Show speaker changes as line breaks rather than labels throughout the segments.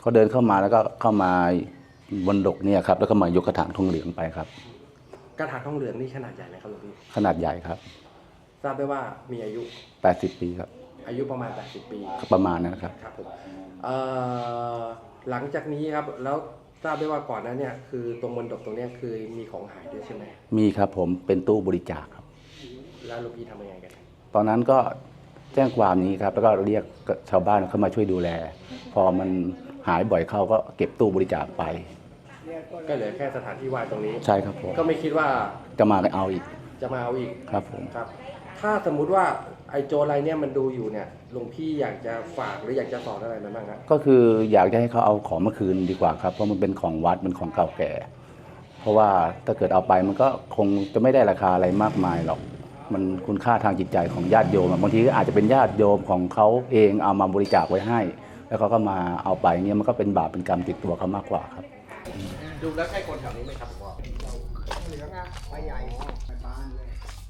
เขาเดินเข้ามาแล้วก็เข้ามาบนดกเนี่ยครับแล้วก็มายกกระถางทองเหลืองไปครับ
กระถางทองเหลืองนี่ขนาดใหญ่ไหมครับหลวงพี่
ขนาดใหญ่ครับ
ทราบได้ว่ามีอายุ
80 ปีครับ
อายุประมาณ80 ปี
ประมาณนั้นครับ
ครับผมหลังจากนี้ครับแล้วทราบได้ว่าก่อนนั้นเนี่ยคือตรงบนดกตรงเนี้ยคือมีของหายด้วยใช่ไหม
มีครับผมเป็นตู้บริจาคครับ
แล้วหลวงพี่ทำยังไงกัน
ตอนนั้นก็แจ้งความนี้ครับแล้วก็เรียกชาวบ้านเข้ามาช่วยดูแลพอมันหายบ่อยเข้าก็เก็บตู้บริจาคไป
ก็เหลือแค่สถานที่ว่างตรงนี้
ใช่ครับผม
ก็ไม่คิดว่า
จะมาเอาอีกครับผม
ครับถ้าสมมุติว่าไอ้โจรอะไรเนี่ยมันดูอยู่เนี่ยหลวงพี่อยากจะฝากหรืออยากจะสอนอะไรมันบ้างครับ
ก็คืออยากจะให้เขาเอาของมาคืนดีกว่าครับเพราะมันเป็นของวัดเป็นของเก่าแก่เพราะว่าถ้าเกิดเอาไปมันก็คงจะไม่ได้ราคาอะไรมากมายหรอกมันคุณค่าทางจิตใจของญาติโยมบางทีก็อาจจะเป็นญาติโยมของเขาเองเอามาบริจาคไว้ให้แล้วเขาก็มาเอาไปเนี่ยมันก็เป็นบาปเป็นกรรมติดตัวเขามากกว่าครับ
ดูแล้วใช่คนแถวนี้ไหมครับผม
เหลืองอะใบใหญ่ใบบานเลย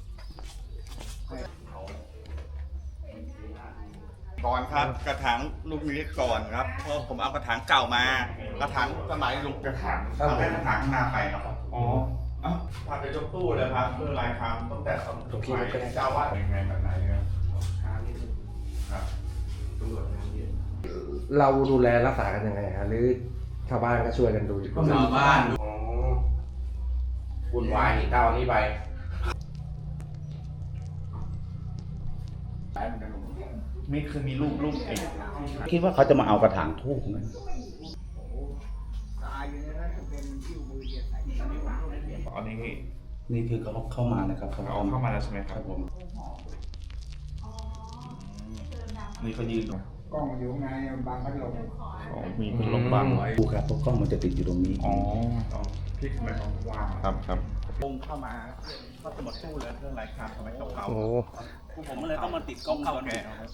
ก่อนครับกระถางลูกนี้ก่อนครับเพราะผมเอากระถางเก่ามากระถางสมัยลุงกระถางเอาแค่กระถางข้างหน้าไปครับอ๋อพาไปยกตู้เลยครับเพื่อรายคำตั้งแต่สมัยเจ้าวาดยังไงแบบไหนครับ
เราดูแลรักษากันยังไงฮะหรือชาวบ้านก็ช่วยกันดู
ชาวบ้าน
วุ่นวายเท่านี้ไป
นี่คือมีลูกเอง
คิดว่าเขาจะมาเอากระถางทูบไหม
ตายอยู่ในนั้นเป็นที่มือเดียใส่
อันนี้
นี่คือเขาเข้ามานะครับเขา
เข้ามาแล้วใช่ไหมครับ
ผม
นี่เขายืน
กล้องอยู่ไงบางพัดลม
มีพัดลมบังไว้
ดูครับเพราะกล้องมันจะติดอยู่ตรงนี้
อ๋อพลิกไปของวางครับลงเข้ามาก็จะหมดตู้เลยเรื่องรายการทำไมเก่าๆผมเลยต้องมาติดกล้องเก่าแก่